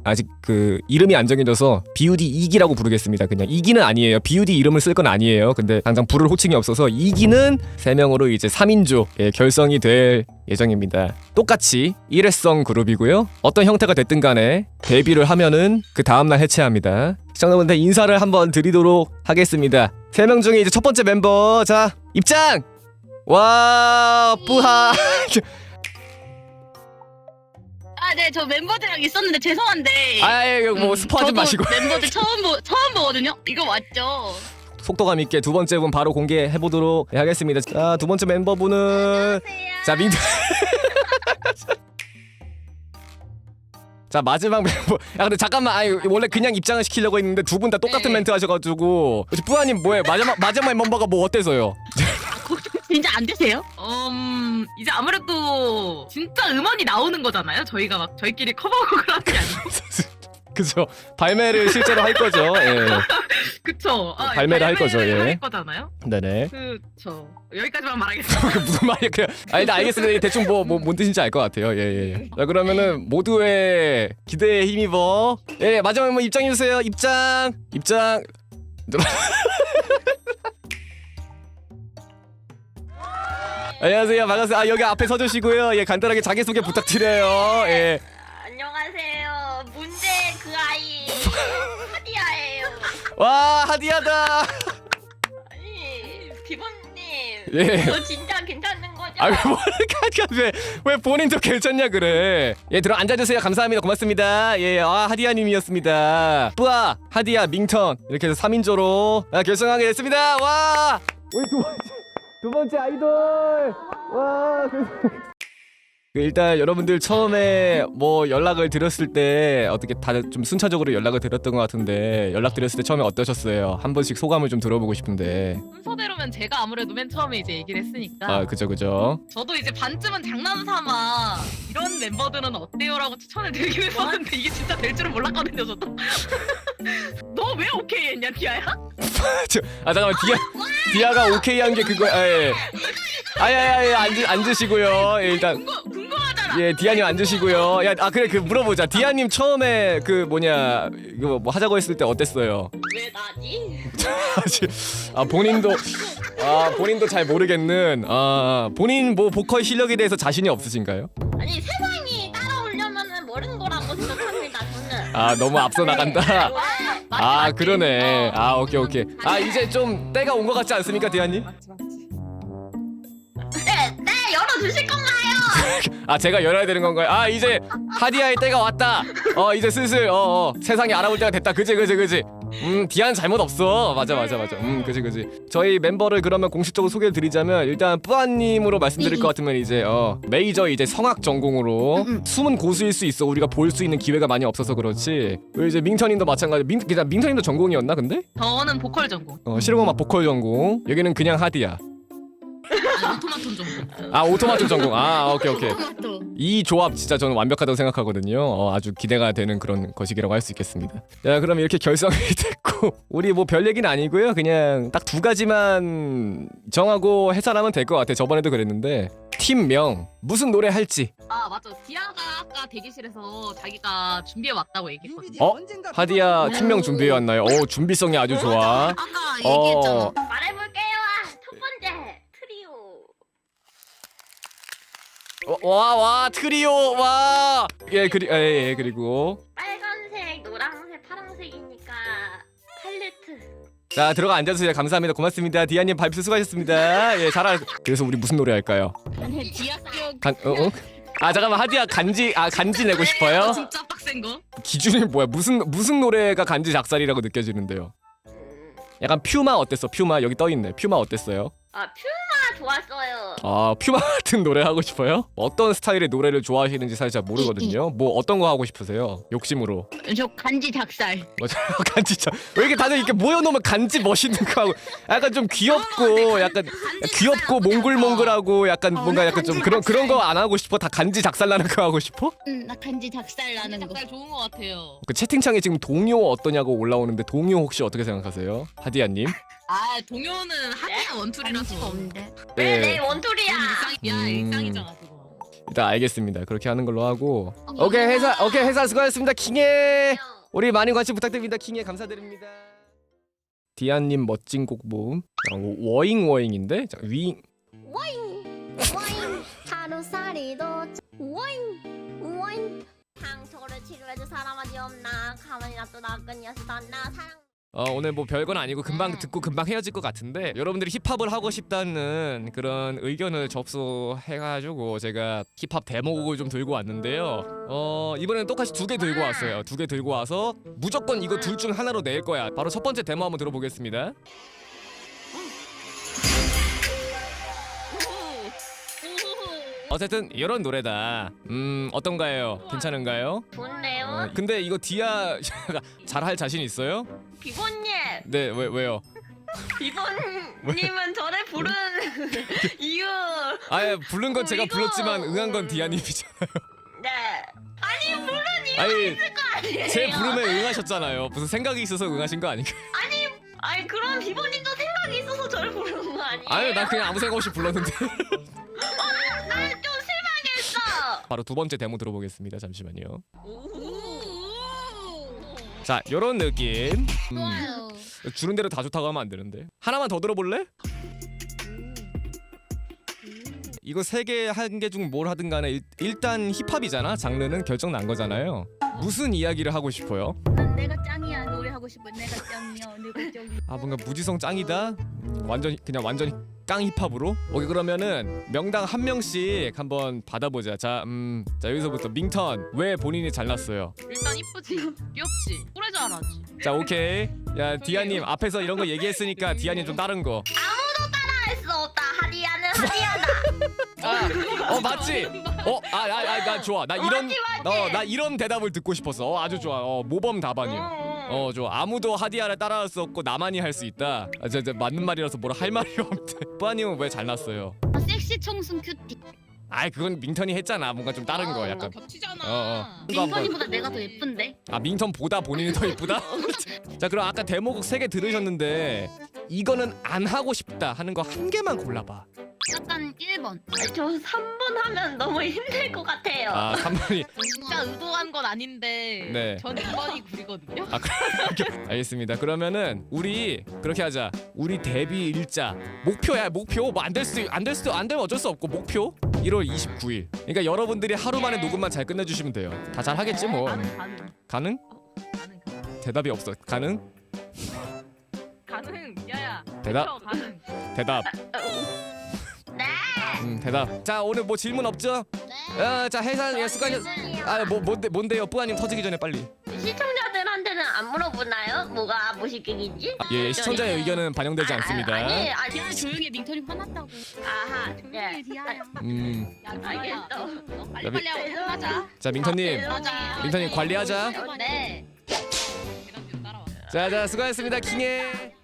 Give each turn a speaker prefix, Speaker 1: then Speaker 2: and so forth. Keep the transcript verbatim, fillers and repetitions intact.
Speaker 1: 아직 그 이름이 안 정해져서 비우디 이기라고 부르겠습니다. 그냥 이기는 아니에요. 비우디 이름을 쓸 건 아니에요. 근데 당장 부를 호칭이 없어서 이기는 세 명으로 이제 삼 인조 예, 결성이 될 예정입니다. 똑같이 일회성 그룹이고요. 어떤 형태가 됐든 간에 데뷔를 하면은 그 다음날 해체합니다. 시청자분들 인사를 한번 드리도록 하겠습니다. 세 명 중에 이제 첫 번째 멤버 자 입장! 와 뿌하
Speaker 2: 아, 네, 저 멤버들이랑 있었는데 죄송한데.
Speaker 1: 아이 뭐 스포하지
Speaker 2: 저도
Speaker 1: 마시고
Speaker 2: 멤버들 처음 보 처음 보거든요. 이거 맞죠?
Speaker 1: 속도감 있게 두 번째 분 바로 공개해 보도록 하겠습니다. 자, 두 번째 멤버분은 자 민트 자 마지막 멤버 야 근데 잠깐만 아니 원래 그냥 입장을 시키려고 했는데 두 분 다 똑같은
Speaker 2: 네.
Speaker 1: 멘트 하셔가지고 혹시 뿌아님 뭐예요? 마지막 마지막 멤버가 뭐 어때서요?
Speaker 2: 진짜 안 되세요?
Speaker 3: 음 이제 아무래도 진짜 음원이 나오는 거잖아요. 저희가 막 저희끼리 커버곡을 하는 게 아니고.
Speaker 1: 그죠? 발매를 실제로 할 거죠. 예.
Speaker 3: 그쵸. 아,
Speaker 1: 발매를 할 거죠, 예.
Speaker 3: 할 거잖아요.
Speaker 1: 네네.
Speaker 3: 그쵸. 여기까지만 말하겠습니다.
Speaker 1: 그 무슨 말이야? 그냥 아 일단 알겠습니다. 대충 뭐뭐 뭔 뜻인지 알 것 같아요. 예예. 예. 자 그러면은 모두의 기대에 힘입어. 예 마지막 한번 입장해 주세요. 입장. 입장. 안녕하세요. 반갑습니다. 아 여기 앞에 서주시고요. 예 간단하게 자기 소개 부탁드려요. 예.
Speaker 2: 안녕하세요. 문제 그 아이 하디아예요.
Speaker 1: 와 하디야다.
Speaker 2: 아니, 비번님.
Speaker 1: 예.
Speaker 2: 저 진짜 괜찮은 거죠?
Speaker 1: 아왜 왜, 왜 본인도 괜찮냐 그래. 예 들어 앉아주세요. 감사합니다. 고맙습니다. 예, 아 하디야님이었습니다. 뿌아, 하디야, 밍턴 이렇게 해서 삼 인조로 아, 결성하게 됐습니다. 와, 우리 두 번째 두 번째 아이돌. 와. 그 일단 여러분들 처음에 뭐 연락을 드렸을 때 어떻게 다들 좀 순차적으로 연락을 드렸던 것 같은데 연락 드렸을 때 처음에 어떠셨어요? 한 번씩 소감을 좀 들어보고 싶은데.
Speaker 3: 순서대로면 제가 아무래도 맨 처음에 이제 얘기를 했으니까.
Speaker 1: 아 그죠 그죠.
Speaker 3: 저도 이제 반쯤은 장난삼아 이런 멤버들은 어때요라고 추천을 드리긴 했었는데 이게 진짜 될 줄은 몰랐거든요 저도. 너 왜 오케이 했냐 디아야?
Speaker 1: 저, 아 잠깐만 디아 디아가 오케이 한 게 그거 아, 예. 아야야야 앉으 앉으시고요. 예, 일단
Speaker 3: 궁금, 궁금하잖아.
Speaker 1: 예 디아님 앉으시고요. 야 아 그래 그 물어보자. 디아님 처음에 그 뭐냐 이거 뭐 하자고 했을 때 어땠어요?
Speaker 2: 왜 나지?
Speaker 1: 아 본인도 아 본인도 잘 모르겠는 아 본인 뭐 보컬 실력에 대해서 자신이 없으신가요?
Speaker 2: 아니, 세상이 따라오려면은 모르는 거라고 생각합니다, 저는.
Speaker 1: 아 너무 앞서 나간다.
Speaker 2: 네.
Speaker 1: 아 그러네. 아 오케이 오케이. 아 이제 좀 때가 온 것 같지 않습니까 디아님?
Speaker 3: 맞지 맞지.
Speaker 2: 네, 네, 열어주실 건가요?
Speaker 1: 아 제가 열어야 되는 건가요? 아 이제 하디아의 때가 왔다. 어 이제 슬슬 어, 어 세상이 알아볼 때가 됐다. 그지 그지 그지. 음 디아는 잘못 없어. 맞아 맞아 맞아. 음 그지 그지. 저희 멤버를 그러면 공식적으로 소개를 드리자면 일단 뿌아님으로 말씀드릴 것 같으면 이제 어 메이저 이제 성악 전공으로 숨은 고수일 수 있어. 우리가 볼 수 있는 기회가 많이 없어서 그렇지. 그리고 이제 밍턴님도 마찬가지. 밍 그냥 밍턴님도 전공이었나 근데?
Speaker 3: 저는 보컬 전공.
Speaker 1: 어 실용음악 보컬 전공. 여기는 그냥 하디야.
Speaker 3: 오토마톤 전공.
Speaker 1: 아 오토마토 전공. 아 오케이 오케이.
Speaker 2: 토마토.
Speaker 1: 이 조합 진짜 저는 완벽하다고 생각하거든요. 어, 아주 기대가 되는 그런 것이라고 할 수 있겠습니다. 자 그럼 이렇게 결성이 됐고 우리 뭐 별 얘기는 아니고요. 그냥 딱 두 가지만 정하고 해설하면 될 것 같아. 저번에도 그랬는데 팀명 무슨 노래 할지.
Speaker 3: 아 맞아. 디아가 아까 대기실에서 자기가 준비해 왔다고 얘기했거든요.
Speaker 1: 어? 하디야 팀명 준비해 왔나요? 오 준비성이 아주 좋아.
Speaker 2: 아까
Speaker 1: 어.
Speaker 2: 얘기했잖아. 말해볼게요. 첫 번째, 트리오.
Speaker 1: 와 와 트리오 와. 예 그리 예, 예 그리고
Speaker 2: 빨간색, 노란색, 파란색이니까 팔레트.
Speaker 1: 자 들어가 앉아주세요. 감사합니다. 고맙습니다. 디아님 발표 수고하셨습니다. 예 잘할. 그래서 우리 무슨 노래 할까요?
Speaker 2: 아니, 디아교.
Speaker 1: 간 어? 어? 아 잠깐만 하디야 간지 아 간지 내고 싶어요?
Speaker 3: 진짜 빡센 거.
Speaker 1: 기준이 뭐야? 무슨 무슨 노래가 간지 작살이라고 느껴지는데요? 약간 퓨마 어땠어? 퓨마 여기 떠 있네. 퓨마 어땠어요?
Speaker 2: 아, 퓨마 좋았어요.
Speaker 1: 아 퓨마 같은 노래 하고 싶어요? 어떤 스타일의 노래를 좋아하시는지 사실 잘 모르거든요. 뭐 어떤 거 하고 싶으세요? 욕심으로.
Speaker 2: 저 간지 작살.
Speaker 1: 맞아 간지 참. 왜 이렇게 다들 이렇게 모여놓으면 간지 멋있는 거 하고 약간 좀 귀엽고 약간 귀엽고 몽글몽글하고 약간 뭔가 약간 좀 그런 그런 거 안 하고 싶어? 다 간지 작살나는 거 하고 싶어?
Speaker 2: 응, 나 간지 작살 나는 거.
Speaker 3: 작살 좋은 거 같아요.
Speaker 1: 그 채팅창에 지금 동요 어떠냐고 올라오는데 동요 혹시 어떻게 생각하세요? 하디야님?
Speaker 3: 아 동요는 하디가 원툴이라서.
Speaker 2: 없는데.
Speaker 1: 네.
Speaker 2: 네, 원툴이야.
Speaker 3: 그건 일상이야
Speaker 1: 음.
Speaker 3: 일상이잖아 그거.
Speaker 1: 일단 알겠습니다. 그렇게 하는 걸로 하고. 오케이 회사 오케이 회사 수고하셨습니다. 킹해. 우리 많은 관심 부탁드립니다. 킹해 감사드립니다. 디아님 멋진 곡 모음. 어, 워잉 워잉인데 자, 윙.
Speaker 2: 와잉 와잉 하루살이도 와잉 와잉 상처를 치료해줄 사람 어디 없나 가만히 놔둬 그녀서 나 사랑
Speaker 1: 어 오늘 뭐 별건 아니고 금방 듣고 금방 헤어질 것 같은데 여러분들이 힙합을 하고 싶다는 그런 의견을 접수해가지고 제가 힙합 데모곡을 좀 들고 왔는데요. 어 이번에는 똑같이 두 개 들고 왔어요. 두 개 들고 와서 무조건 이거 둘 중 하나로 낼 거야. 바로 첫 번째 데모 한번 들어보겠습니다. 어쨌든 이런 노래다. 음 어떤가요? 괜찮은가요?
Speaker 2: 좋네요.
Speaker 1: 어, 근데 이거 디아 잘할 자신 있어요?
Speaker 2: 비보님
Speaker 1: 네 왜 왜요?
Speaker 2: 비보님은 저를 부른 이유
Speaker 1: 아예 부른 건 제가
Speaker 2: 이거-
Speaker 1: 불렀지만 응한 건 디아님이잖아요.
Speaker 2: 네 아니 물론 이유가
Speaker 1: 아니
Speaker 2: 있을 거 아니에요.
Speaker 1: 제 부름에 응하셨잖아요. 무슨 생각이 있어서 응하신 거 아닌가?
Speaker 2: 아니 아니 그럼 비보님도 생각이 있어서 저를 부르는 거 아니에요?
Speaker 1: 아유 난 그냥 아무 생각 없이 불렀는데.
Speaker 2: 나는 좀 실망했어.
Speaker 1: 바로 두 번째 데모 들어보겠습니다. 잠시만요.
Speaker 2: 오.
Speaker 1: 자 요런 느낌. 음,
Speaker 2: 좋아요.
Speaker 1: 주는 대로 다 좋다고 하면 안 되는데. 하나만 더 들어볼래? 이거 세 개 한 개 중 뭘 하든 간에 일, 일단 힙합이잖아. 장르는 결정 난 거잖아요. 무슨 이야기를 하고 싶어요?
Speaker 4: 난 내가 짱이야 노래하고 싶어 내가 짱이야 내가 짱이야
Speaker 1: 아 뭔가 무지성 짱이다. 음, 완전 그냥 완전히 깡 힙합으로. 오케이 그러면은 명당 한 명씩 한번 받아보자. 자, 음, 자 여기서부터 밍턴 왜 본인이 잘났어요?
Speaker 3: 일단 이쁘지, 귀엽지, 노래 잘하지.
Speaker 1: 자 오케이. 야 디아님 앞에서 이런 거 얘기했으니까 디아님 좀 다른 거.
Speaker 2: 아무도 따라할 수 없다. 하디야는 하디야다.
Speaker 1: 아, 어 맞지? 어, 아, 아, 아, 나 좋아. 나 이런,
Speaker 2: 맞지, 맞지?
Speaker 1: 어, 나 이런 대답을 듣고 싶었어. 어, 아주 좋아. 어, 모범 답안이요. 어, 좋아. 아무도 하디야를 따라할 수 없고 나만이 할 수 있다. 아, 저, 저 맞는 말이라서 뭐라 할 말이 없대. 뿌아님은 왜 잘났어요?
Speaker 4: 아, 섹시 청순 큐티
Speaker 1: 아이, 그건 밍턴이 했잖아. 뭔가 좀 다른 거, 약간.
Speaker 3: 겹치잖아.
Speaker 1: 어, 어. 이거 한번.
Speaker 4: 민선이보다 내가 더 예쁜데
Speaker 1: 아, 밍턴보다 본인이 더 이쁘다? 자, 그럼 아까 데모곡 세 개 들으셨는데 이거는 안 하고 싶다 하는 거 한 개만 골라봐.
Speaker 4: 약간 일 번
Speaker 2: 저 삼 분 하면 너무 힘들 것 같아요.
Speaker 1: 아, 삼 번이.
Speaker 3: 진짜 의도한 건 아닌데
Speaker 1: 네.
Speaker 3: 전 이 번이 구리거든요.
Speaker 1: 아, 그렇게 알겠습니다. 그러면은 우리 그렇게 하자. 우리 데뷔 일자 목표야 목표. 뭐 안 될 수도 안 될 수도 안 되면 어쩔 수 없고 목표 일월 이십구일. 그러니까 여러분들이 하루 만에 녹음만 잘 끝내주시면 돼요. 다 잘 하겠지 뭐.
Speaker 3: 가능, 가능,
Speaker 1: 가능?
Speaker 3: 가능, 가능.
Speaker 1: 대답이 없어. 가능?
Speaker 3: 가능. 야야.
Speaker 1: 대답.
Speaker 3: 그쵸, 가능.
Speaker 1: 대답.
Speaker 2: 네.
Speaker 1: 음 대답. 자 오늘 뭐 질문 없죠? 어, 자 해산 예 수고하셨. 아뭐 뭔데 뭔데요? 뿌아님 터지기 전에 빨리.
Speaker 2: 시청자들한테는 안 물어보나요? 뭐가 무식경인지?
Speaker 1: 예 시청자의 의견은 반영되지 않습니다.
Speaker 2: 아니 아니.
Speaker 4: 디아야 조용히 해 민선이 화났다고
Speaker 2: 아하.
Speaker 4: 조용히
Speaker 2: 네.
Speaker 4: 해 디아야
Speaker 1: 음.
Speaker 4: 야
Speaker 2: 알겠어.
Speaker 4: 디아야 빨리빨리 하고 끝나자
Speaker 1: 자 민터님.
Speaker 4: 맞아.
Speaker 1: 민터님 관리하자.
Speaker 4: 네
Speaker 3: 계단 뒤로 따라와.
Speaker 1: 자자 수고하셨습니다. 킹해.